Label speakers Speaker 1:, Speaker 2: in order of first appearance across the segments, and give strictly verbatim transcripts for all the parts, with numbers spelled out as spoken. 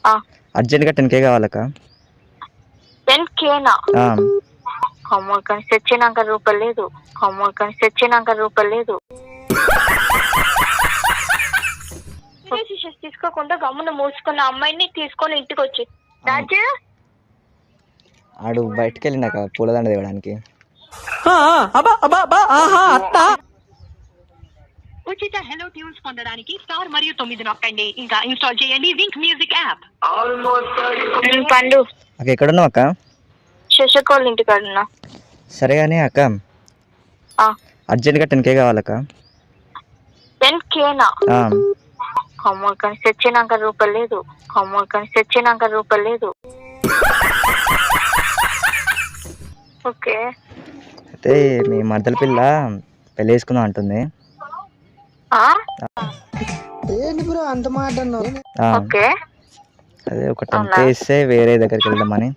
Speaker 1: అర్జెంట్గా టెన్ కే కావాలక్క.
Speaker 2: టెన్ కేనా? అమ్మో కానీ తెచ్చినాక రూపాయలు లేదు. అమ్మో కానీ తెచ్చినాక రూపాయలు లేదు. తీసుకోకుండా గమ్మున మూసుకున్న అమ్మాయిని తీసుకొని ఇంటికి వచ్చి రాజు
Speaker 1: ఆడు బయటకు వెళ్ళినాక పూలదండ తేవడానికి.
Speaker 2: ఉచిత హెలో ట్యూన్స్ పొందడానికి స్టార్ మరియు తొమ్మిది నొక్కండి. ఇంకా ఇన్స్టాల్ చేయండి వింక్ మ్యూజిక్ యాప్. పండు
Speaker 1: అక్క ఎక్కడున్నావు అక్క?
Speaker 2: శశకోళ్ళ ఇంటికాడ ఉన్నా.
Speaker 1: సరే కానీ అక్క అర్జెంట్గా టెన్ కే కావాలక్క.
Speaker 2: టెన్ కేనా? అమ్మో కానీ తెచ్చినాక రూపాయలు లేదు. అమ్మో కానీ తెచ్చినాక రూపాయలు లేదు. ఓకే
Speaker 1: అయితే మీ మర్దల పిల్ల పెళ్లి చేసుకుందాం అంటుంది. అదే ఒక టెన్ కే ఇస్తే వేరే దగ్గరికి వెళ్దామని.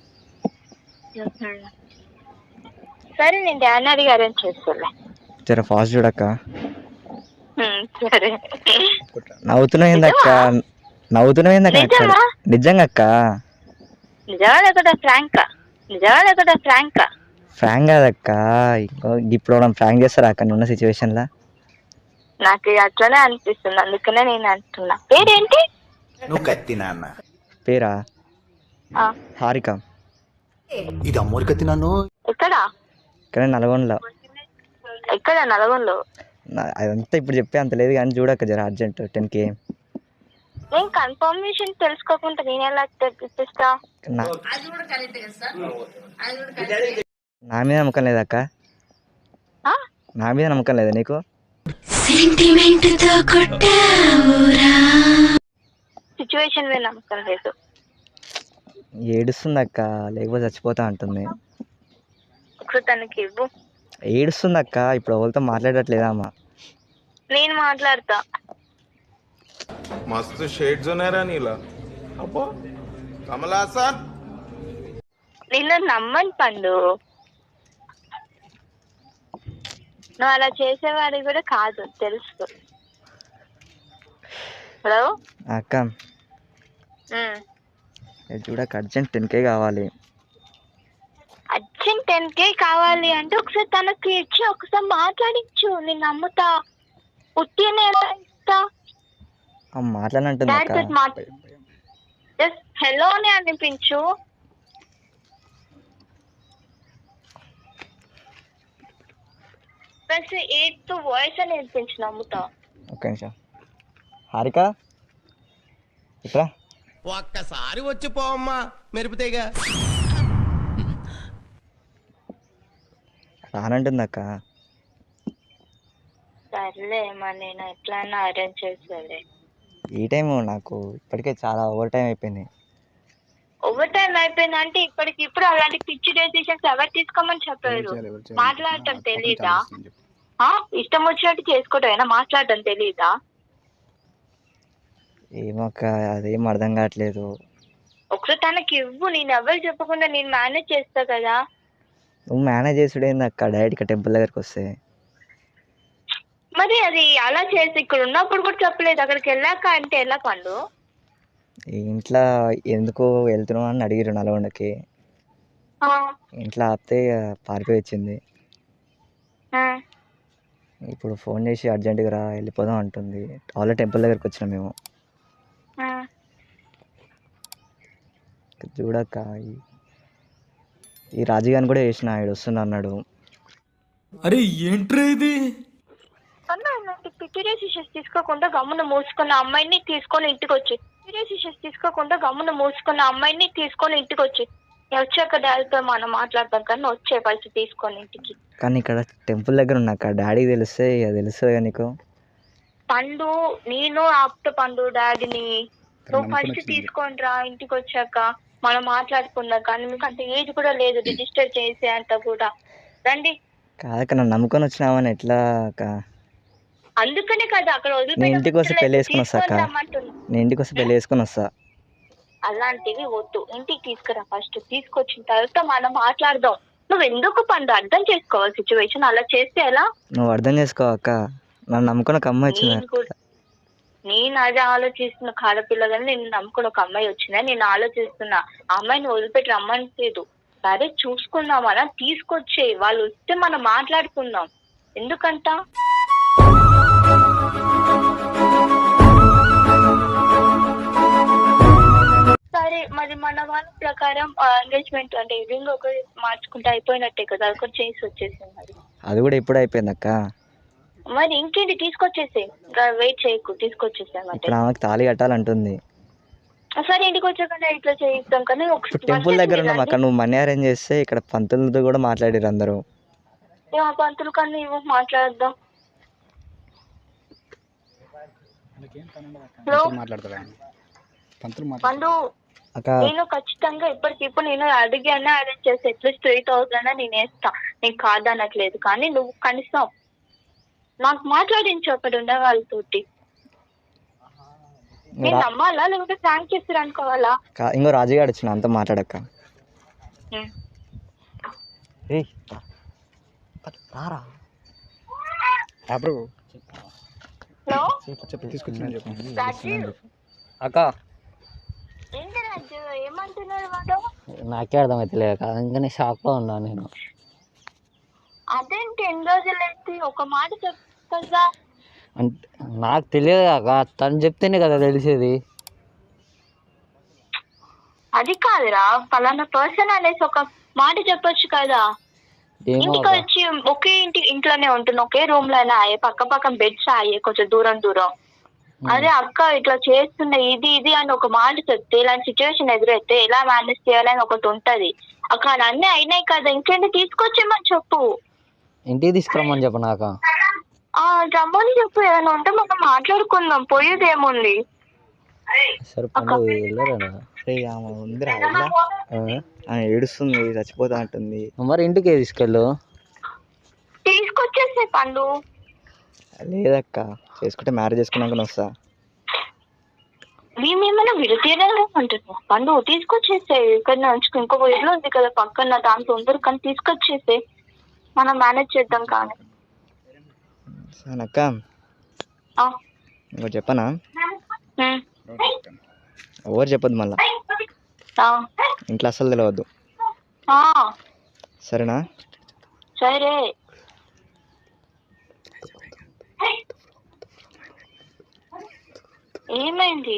Speaker 2: సరే నేను డాడీ అడిగి అరేంజ్ చేస్తాలే.
Speaker 1: జర ఫాస్ట్ చూడక్క.
Speaker 2: సరే
Speaker 1: నవ్వుతున్నాయిందక్క నవ్వుతున్నాయిందక్క నిజంగా అక్క?
Speaker 2: నిజమా లేకుండా ఫ్రాంక్? నిజమా లేకుండా ఫ్రాంక్?
Speaker 1: ఫ్రాంక్ కాదక్క, ఇప్పుడు మనం ఫ్రాంక్ చేస్తారా అక్క ఉన్న సిచ్యువేషన్ లా?
Speaker 2: నాకు అట్లనే అనిపిస్తుంది, అందుకనే నేను అంటున్నా. పేరేంటి?
Speaker 3: నువ్వు కత్తి నాన్న.
Speaker 1: పేరా హారిక.
Speaker 3: ఇది అమ్మోరి కత్తి నాన్న.
Speaker 2: ఎక్కడ?
Speaker 1: ఇక్కడ నల్గొండలో.
Speaker 2: ఎక్కడ నల్గొండలో?
Speaker 1: అదంతా ఇప్పుడు చెప్పే అంత లేదు కానీ చూడక్క జర అర్జెంట్ టెన్ కే.
Speaker 2: నేను కన్ఫర్మేషన్ తెలుసుకోకుండా నేను ఎలా తెప్పిస్తా?
Speaker 1: నా మీద నమ్మకం లేదక్క? నా మీద నమ్మకం లేదా నీకు?
Speaker 2: సిచ్యువేషన్ మీద నమ్మకం లేదు.
Speaker 1: ఏడుస్తుంది అక్క, లేకపోతే చచ్చిపోతా అంటుంది.
Speaker 2: ఒకసారి తనకి ఇవ్వు.
Speaker 1: ఏడుస్తుంది అక్క, ఇప్పుడు ఎవరితో మాట్లాడట్లేదా అమ్మ?
Speaker 2: నేను మాట్లాడతా.
Speaker 4: మస్తు షేడ్స్ ఉన్నారా నీలా? అబ్బో కమలాసన్.
Speaker 2: నిన్ను నమ్మని పండు, నువ్వు అలా చేసేవాడి కూడా కాదు తెలుసు. హలో
Speaker 1: అక్క చూడక్క అర్జెంట్ టెన్ కే కావాలి.
Speaker 2: అర్జెంట్ టెన్ కే కావాలి అంటే ఒకసారి తనకి ఇచ్చి ఒకసారి మాట్లాడించు, నేను నమ్ముతా. ఉట్టినే ఇస్తా
Speaker 1: మాట్లాడంటుంది.
Speaker 2: హలో అని అనిపించు. ప్లస్ ఎయిత్ వాయిస్ అని అనిపించు, నమ్ముతా.
Speaker 1: ఒక్క నిమిషం హారిక ఇక్కడ
Speaker 5: ఒక్కసారి వచ్చి పోమ్మా మెరుపుతేగా
Speaker 1: రానంటుంది అక్క.
Speaker 2: సర్లే మరి నేను ఎట్లన్నా అరేంజ్ చేస్తాలే.
Speaker 1: ఈ టైం నాకు ఇప్పటికే చాలా ఓవర్ టైం అయిపోయింది.
Speaker 2: ఓవర్ టైం అయిపోయింది అంటే ఇప్పటికి ఇప్పుడు అలాంటి పిచ్చి డెసిషన్స్ ఎవరు తీసుకోమని చెప్పారు? మాట్లాడటం తెలీదా? ఇష్టం వచ్చినట్టు చేసుకోవటం మాట్లాడటం తెలీదా?
Speaker 1: ఏమక్క అదేం అర్థం కావట్లేదు.
Speaker 2: ఒకసారి తనకి ఇవ్వు, నేను ఎవరు చెప్పకుండా నేను మేనేజ్ చేస్తా కదా.
Speaker 1: నువ్వు మేనేజ్ చేసుడేంది అక్క డైరెక్ట్గా టెంపుల్ దగ్గరికి వస్తే?
Speaker 2: మరి అది అలా చేసి ఇక్కడ ఉన్నప్పుడు కూడా చెప్పలేదు, అక్కడికి వెళ్ళాక అంటే ఎలా పండు?
Speaker 1: ఇంట్లో ఎందుకు వెళ్తున్నావు అని అడిగిరు నల్గొండకి. ఇంట్లో ఆపితే పారిపోయి వచ్చింది. ఇప్పుడు ఫోన్ చేసి అర్జెంటుగా రా వెళ్ళిపోదాం అంటుంది. ఆల్రెడీ టెంపుల్ దగ్గరికి వచ్చినాం మేము. చూడక్క ఈ రాజుగాని కూడా చేసిన ఆయన వస్తున్నా అన్నాడు.
Speaker 5: అరే ఏంట్రా ఇది?
Speaker 2: పిచ్చి డెసిషన్స్ తీసుకోకుండా గమ్మున మూసుకున్న అమ్మాయిని తీసుకొని ఇంటికి వచ్చి డెసిషన్స్ తీసుకోకుండా గమ్మున మూసుకున్న అమ్మాయిని తీసుకొని ఇంటికి వచ్చి వచ్చాక డాడీతో మనం మాట్లాడతాం కానీ వచ్చే పరిస్థితి తీసుకొని ఇంటికి.
Speaker 1: కానీ ఇక్కడ టెంపుల్ దగ్గర ఉన్నాక డాడీకి తెలిస్తే తెలుస్తుంది నీకు.
Speaker 2: పండు నేను ఆపుతా పండు డాడీని. నువ్వు ఫస్ట్ తీసుకొని రా ఇంటికి వచ్చాక మనం మాట్లాడుకుందాం. కానీ మీకు అంత ఏజ్ కూడా లేదు రిజిస్టర్ చేసే అంత కూడా. రండి.
Speaker 1: కాదక్క నన్ను నమ్ముకొని వచ్చినావని ఎట్లా అక్క?
Speaker 2: అందుకనే కదా అక్కడ
Speaker 1: నేను ఇంటికి వస్తే పెళ్లి వేసుకుని వస్తా అక్క. నేను ఇంటికి వస్తే పెళ్లి వేసుకుని వస్తా.
Speaker 2: అలాంటివి వద్దు, ఇంటికి తీసుకురా ఫస్ట్. తీసుకొచ్చిన తర్వాత మనం మాట్లాడదాం. నువ్వు ఎందుకు పండు అర్థం చేసుకోవాలి సిచ్యువేషన్. అలా చేస్తే ఎలా?
Speaker 1: నువ్వు అర్థం చేసుకో అక్క, నన్ను నమ్ముకున్న ఒక అమ్మాయి వచ్చింది.
Speaker 2: నేను అదే ఆలోచిస్తున్న ఆడపిల్లగాని నేను నమ్ముకుని ఒక అమ్మాయి వచ్చిందా నేను ఆలోచిస్తున్నా ఆ అమ్మాయిని వదిలిపెట్టి రమ్మనిలేదు. సరే చూసుకుందామనా తీసుకొచ్చే వాళ్ళు వస్తే మనం మాట్లాడుకుందాం. ఎందుకంట సరే మరి మన వాళ్ళ ప్రకారం ఎంగేజ్మెంట్ అంటే రింగ్ ఒకటి మార్చుకుంటే అయిపోయినట్టే కదా, ఒకటి చేసి వచ్చేసింది. మరి
Speaker 1: అది కూడా ఇప్పుడు అయిపోయింది అక్క.
Speaker 2: మరి ఇంకేంటి తీసుకొచ్చేసే, వెయిట్ చేయకు తీసుకొచ్చేసామంటే.
Speaker 1: ఇప్పుడు ఆమెకు తాళి కట్టాలంటుంది.
Speaker 2: సరే ఇంటికి వచ్చాక ఇట్లా చేయిస్తాం కానీ
Speaker 1: ఇప్పుడు టెంపుల్ దగ్గర ఉన్నాం అక్కడ, నువ్వు మనీ అరేంజ్ చేస్తే ఇక్కడ పంతులతో కూడా మాట్లాడారు అందరూ.
Speaker 2: పంతులు కన్నా ఇవ్వ మాట్లాడదాం. పండు నేను ఖచ్చితంగా ఇప్పటికిప్పుడు నేను అడిగానే అరేంజ్ చేసి అట్లీస్ట్ త్రీ థౌసండ్ నేను వేస్తా, నీకు కాదనట్లేదు. కానీ నువ్వు కనీసం నాకు మాట్లాడించు అక్కడ ఉన్న వాళ్ళతోటి. నేను నమ్మాలా లేకపోతే థ్యాంక్ చేస్తారు అనుకోవాలా?
Speaker 1: ఇంకో రాజుగాడు వచ్చిన అంతా మాట్లాడక్క. అక్క
Speaker 2: ఏంటి రాజు ఏమంటున్నాడు వాడు?
Speaker 1: నాకే అర్థమైతలేదు అందుకని షాక్ లో ఉన్నా నేను.
Speaker 2: అదేంటి ఎన్ని రోజులు ఎత్తి ఒక మాట చెప్తా.
Speaker 1: అంటే నాకు తెలియదు కాక తను చెప్తేనే కదా తెలిసేది.
Speaker 2: అది కాదురా పలానా పర్సన్ అనేసి ఒక మాట చెప్పొచ్చు కదా. ఇంటికి వచ్చి ఒకే ఇంటి ఇంట్లోనే ఉంటున్నా, ఒకే రూమ్ లోనే అయ్యే, పక్క పక్కన బెడ్స్ అయ్యే, కొంచెం దూరం దూరం. అదే అక్క ఇట్లా చేస్తున్నా ఇది ఇది అని ఒక మాట చెప్తే ఇలాంటి సిచ్యువేషన్ ఎదురైతే ఎలా మేనేజ్ చేయాలని ఒకటి ఉంటది. అక్కడ అన్నీ అయినాయి కదా, ఇంకేంటి తీసుకొచ్చేమని చెప్పు.
Speaker 1: ఇంటికి తీసుకురమ్మని చెప్పు. నాకు
Speaker 2: రమ్మని చెప్పు, ఏమైనా ఉంటే మనం మాట్లాడుకుందాం, పోయేది ఏముంది.
Speaker 1: ఏడుస్తుంది, చచ్చిపోతా అంటుంది. మరి ఇంటికి తీసుకెళ్ళు.
Speaker 2: తీసుకొచ్చేసే పండు.
Speaker 1: లేదక్క చేసుకుంటే మ్యారేజ్ చేసుకున్నాక వస్తా.
Speaker 2: మేమేమైనా విడతీయలేమంటున్నాం పండు, తీసుకొచ్చేసే. ఇక్కడ ఇంకొక ఇల్లు ఉంది కదా పక్కన, దాంట్లో ఉండరు కానీ తీసుకొచ్చేసే, మనం మేనేజ్ చేద్దాం. కానీ
Speaker 1: అక్క ఇంకోటి చెప్పనా, ఎవరు చెప్పద్దు మళ్ళా, ఇంట్లో అసలు తెలియవద్దు సరేనా?
Speaker 2: సరే. ఏమైంది?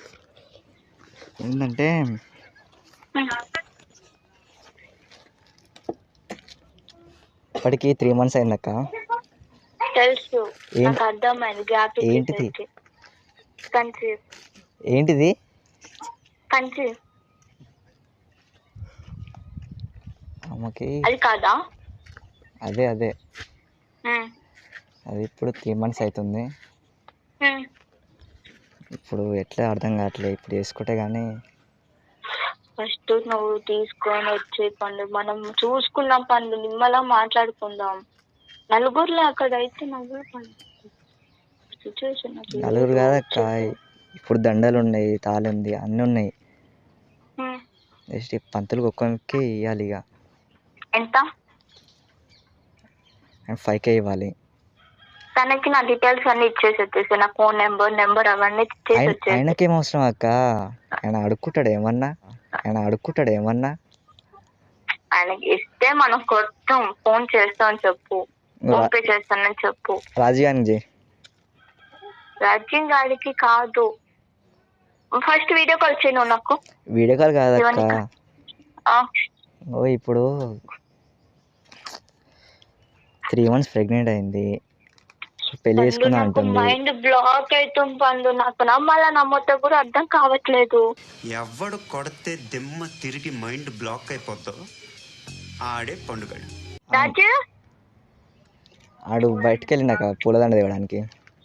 Speaker 1: ఏంటంటే ఇప్పటికి త్రీ మంత్స్ అయిందక్క.
Speaker 2: తెలుసు నాకు అర్థమైంది. గ్యాప్
Speaker 1: ఏంటిది?
Speaker 2: కన్సీవ్.
Speaker 1: ఏంటిది?
Speaker 2: కన్సీవ్.
Speaker 1: అమ్మకి
Speaker 2: అది కాదా?
Speaker 1: అదే అదే అది ఇప్పుడు త్రీ మంత్స్ అవుతుంది. ఇప్పుడు ఎట్లా అర్థం కావట్లేదు. ఇప్పుడు వేసుకుంటే కానీ
Speaker 2: ఫస్ట్ నువ్వు తీసుకొని వచ్చే పండు, మనం చూసుకుందాం పండు, నిమ్మలా మాట్లాడుకుందాం. నలుగురులో అక్కడ అయితే నలుగురు పండు సిచ్యువేషన్.
Speaker 1: నలుగురు కాదక్క, ఇప్పుడు దండలు ఉన్నాయి, తాళి ఉంది, అన్నీ ఉన్నాయి. జస్ట్ పంతులకు ఒక్కరికి ఇవ్వాలి. ఇక
Speaker 2: ఎంత?
Speaker 1: ఫైవ్ కే ఇవ్వాలి.
Speaker 2: తనకి నా డీటెయిల్స్ అన్ని ఇచ్చేసి వచ్చేసి, నా ఫోన్ నెంబర్ నెంబర్ అవన్నీ ఇచ్చేసి వచ్చేసి.
Speaker 1: ఆయనకేం అవసరం అక్క, ఆయన అడుక్కుంటాడు ఏమన్నా, ఆయన అడుక్కుంటాడు ఏమన్నా.
Speaker 2: ఆయనకి ఇస్తే మనం కొత్తం ఫోన్ చేస్తామని చెప్పు, ఫోన్ పే చేస్తానని చెప్పు.
Speaker 1: రాజీగానికి
Speaker 2: రాజీవ్ గారికి కాదు, ఫస్ట్ వీడియో కాల్ చేయి నువ్వు నాకు.
Speaker 1: వీడియో కాల్ కాదక్క, ఓ ఇప్పుడు త్రీ మంత్స్ ప్రెగ్నెంట్ అయింది, పెళ్లి చేసుకున్నా అంటుంది.
Speaker 2: మైండ్ బ్లాక్ అవుతుంది పండు, నాకు నమ్మాలా నమ్మొద్దో కూడా అర్థం కావట్లేదు.
Speaker 6: ఎవడు కొడితే దిమ్మ తిరిగి మైండ్ బ్లాక్ అయిపోద్దో ఆడే పండుగడు.
Speaker 2: రాజు
Speaker 1: ఆడు బయటకు వెళ్ళినాక పూలదండ తేవడానికి.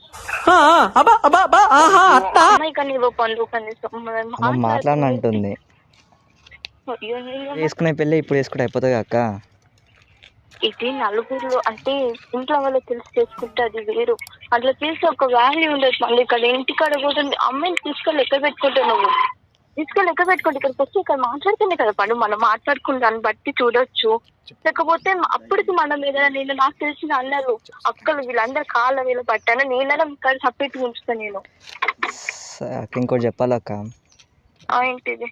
Speaker 1: మాట్లాడిన అంటుంది. వేసుకునే పెళ్ళి ఇప్పుడు వేసుకుంటే అయిపోతుంది అక్క.
Speaker 2: ఇది నలుగురు అంటే ఇంట్లో వాళ్ళు తెలిసి చేసుకుంటే అది వేరు. అట్లా తెలిసి ఒక వాల్యూ ఉండదు. మళ్ళీ ఇక్కడ ఇంటికాడ కూడా అమ్మాయిని తీసుకెళ్ళి ఎక్కడ పెట్టుకుంటావు నువ్వు? తీసుకెళ్ళి లెక్క పెట్టుకోండి. ఇక్కడికి వచ్చి ఇక్కడ మాట్లాడుతుంది కదా పండు, మనం మాట్లాడుకున్న దాన్ని బట్టి చూడొచ్చు. లేకపోతే అప్పటికి మనం ఏదైనా నేను నాకు తెలిసిన అన్నారు అక్కలు వీళ్ళందరూ కాళ్ళ వీళ్ళు పట్టాను నేనైనా ఇక్కడ సపరేట్ ఉంచుతాను నేను.
Speaker 1: స- అక్క ఇంకోటి చెప్పాలి అక్క.
Speaker 2: ఆ, ఏంటిది?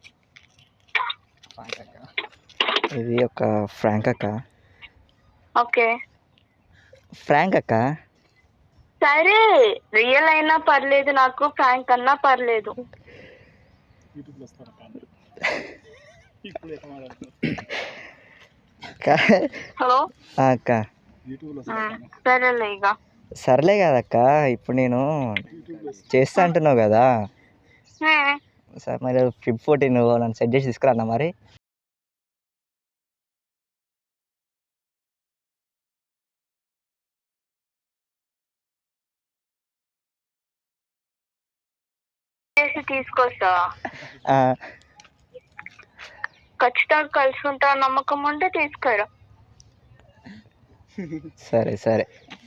Speaker 1: ఇది ఒక ఫ్రాంక్ అక్క.
Speaker 2: ఓకే
Speaker 1: ఫ్రాంక్ అక్క.
Speaker 2: సరే, రియల్ అయినా పర్లేదు, నాకు ఫ్రాంక్ అన్నా పర్లేదు.
Speaker 1: అక్క
Speaker 2: హలో
Speaker 1: ఆ, అక్క
Speaker 2: సరేలే ఇక.
Speaker 1: సర్లే కదక్క, ఇప్పుడు నేను చేస్తా అంటున్నావు కదా
Speaker 2: హ్మ్.
Speaker 1: సార్, మరి ఫిఫ్ ఫోర్టీన్ నువ్వు నన్ను సెట్ చేసి తీసుకురా మరి.
Speaker 2: చేసి తీసుకొస్తావా?
Speaker 1: ఆ,
Speaker 2: ఖచ్చితంగా కలిసి ఉంటా నమ్మకం ఉంటే తీసుకురా.
Speaker 1: సరే సరే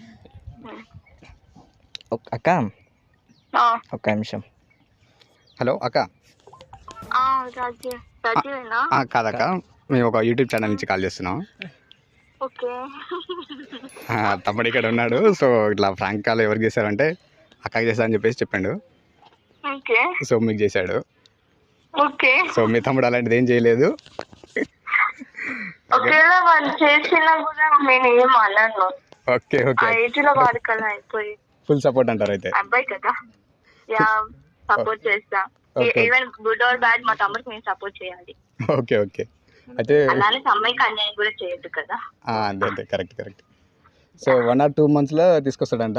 Speaker 1: ఒక్- అక్క
Speaker 2: ఆ,
Speaker 1: ఒక్క నిమిషం.
Speaker 7: హలో అక్క.
Speaker 2: ఆ, రాజీ రాజీవేనా?
Speaker 7: ఆ, కాదక్క, మేము ఒక యూట్యూబ్ ఛానల్ నుంచి కాల్ చేస్తున్నాం.
Speaker 2: ఓకే.
Speaker 7: ఆ, తమ్ముడు ఇక్కడ ఉన్నాడు. సో ఇట్లా ఫ్రాంక్ కాల్ ఎవరికి చేశారంటే అక్కకి చేస్తా అని చెప్పేసి చెప్పాడు.
Speaker 2: ఓకే
Speaker 7: సో మీకు చేశాడు.
Speaker 2: ఓకే.
Speaker 7: సో మీ తమ్ముడు అలాంటిది ఏం చేయలేదు.
Speaker 2: ఒకవేళ వాళ్ళు చేసినా కూడా నేను ఏం అనను.
Speaker 7: ఓకే
Speaker 2: ఆ
Speaker 7: ఓకే
Speaker 2: ఏజ్ లో వాడుకలా అయిపోయి
Speaker 7: ఫుల్ సపోర్ట్ అంటారు అయితే.
Speaker 2: అబ్బాయి కదా, యా సపోర్ట్ చేస్తా.
Speaker 7: Okay.
Speaker 2: Even good or bad మా తమ్ముడికి నేను సపోర్ట్ చేయాలి.
Speaker 7: ఓకే ఓకే అయితే
Speaker 2: అలానే అమ్మాయికి అన్యాయం కూడా చేయొద్దు కదా.
Speaker 7: ఆ, అంతే అంతే correct correct. So one or two మంత్స్లో తీసుకొస్తాడంట.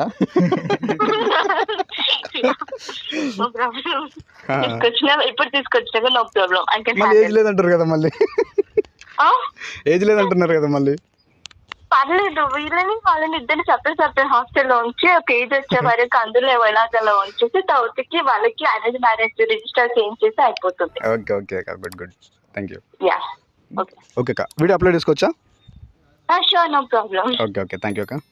Speaker 2: No problem. తీసుకొచ్చినా ఇప్పుడు తీసుకొచ్చినా నో ప్రాబ్లం. ఐ కెన్
Speaker 7: మళ్ళీ ఏజ్ లేదంటారు కదా, మళ్ళీ ఏజ్ లేదంటున్నారు కదా మళ్ళీ.
Speaker 2: పర్లేదు, వీళ్ళని వాళ్ళని ఇద్దరిని సపరేట్ సపరేట్ హాస్టల్లో ఉంచి ఒక ఏజ్ వచ్చే వరకు అందులో ఎలాగలా ఉంచేసి తర్వాతకి వాళ్ళకి అరేంజ్ మ్యారేజ్ రిజిస్టర్ చేయించేసి అయిపోతుంది.
Speaker 7: ఓకే ఓకే అక్క, good good, thank you.
Speaker 2: Yeah okay
Speaker 7: okay అక్క, వీడియో అప్లోడ్ చేసుకోవచ్చా?
Speaker 2: Sure, no problem.
Speaker 7: Okay okay, thank you అక్క.